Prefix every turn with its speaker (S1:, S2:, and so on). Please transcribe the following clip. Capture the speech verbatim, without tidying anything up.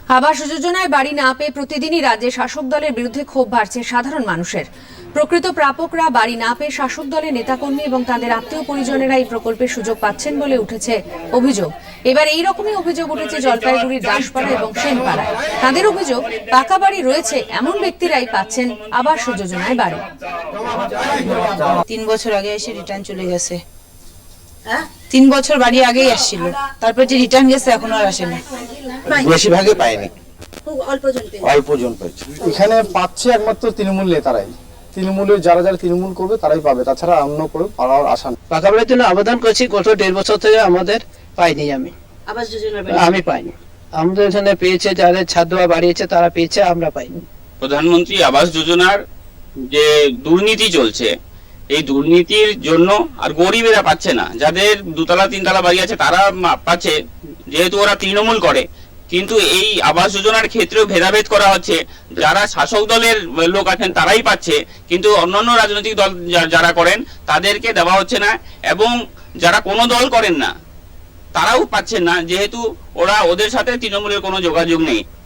S1: আবাস যোজনায় বাড়ি না পেয়ে প্রতিদিনই রাজ্যে শাসক দলের বিরুদ্ধে ক্ষোভ বাড়ছে সাধারণ মানুষের। প্রকৃত প্রাপকরা বাড়ি না পেয়ে শাসক দলের নেতাকর্মী এবং তাদের আত্মীয় পরিজনেরা এই প্রকল্পের সুযোগ পাচ্ছেন বলে উঠেছে অভিযোগ। এবার এই রকমই অভিযোগ উঠেছে জলপাইগুড়ির দাসপাড়া এবং সেনপাড়ায়। তাদের অভিযোগ, পাকা বাড়ি রয়েছে এমন ব্যক্তিরাই পাচ্ছেন আবাস যোজনায় বাড়ি।
S2: তিন বছর আগে এসে রিটার্ন চলে গেছে। তিন বছর বাড়ি আগেই আসছিল, তারপর যে রিটার্ন গেছে এখনো আর আসেনি।
S3: বেশিরভাগই পায়নি,
S4: অল্পজন
S3: অল্পজন পেয়েছে।
S5: এখানে পাচ্ছে একমাত্র তৃণমূল নেতারাই। তৃণমূলের যারা যারা তৃণমূল করবে তারাই পাবে, তাছাড়া অন্য করে পাওয়ার আশা নেই।
S6: পাকা বাড়ির জন্য আবেদন করছি গত দেড় বছর থেকে, আমাদের পাইনি। আমি
S4: আবাস যোজনার
S6: আমি পাইনি। আমাদের এখানে পেয়েছে, যাদের ছাদ দেওয়া বাড়িয়েছে তারা পেয়েছে, আমরা পাইনি।
S7: প্রধানমন্ত্রী আবাস যোজনার যে দুর্নীতি চলছে, এই দুর্নীতির জন্য আর গরিবেরা পাচ্ছে না। যাদের দুতলা তিনতলা বাড়ি আছে তারা পাচ্ছে, যেহেতু ওরা তৃণমূল করে। কিন্তু এই আবাস যোজনার ক্ষেত্রেও ভেদাভেদ করা হচ্ছে। যারা শাসক দলের লোক আছেন তারাই পাচ্ছে, কিন্তু অন্যান্য রাজনৈতিক দল যারা করেন তাদেরকে দেওয়া হচ্ছে না, এবং যারা কোনো দল করেন না তারাও পাচ্ছেন না, যেহেতু ওরা ওদের সাথে তৃণমূলের কোনো যোগাযোগ নেই।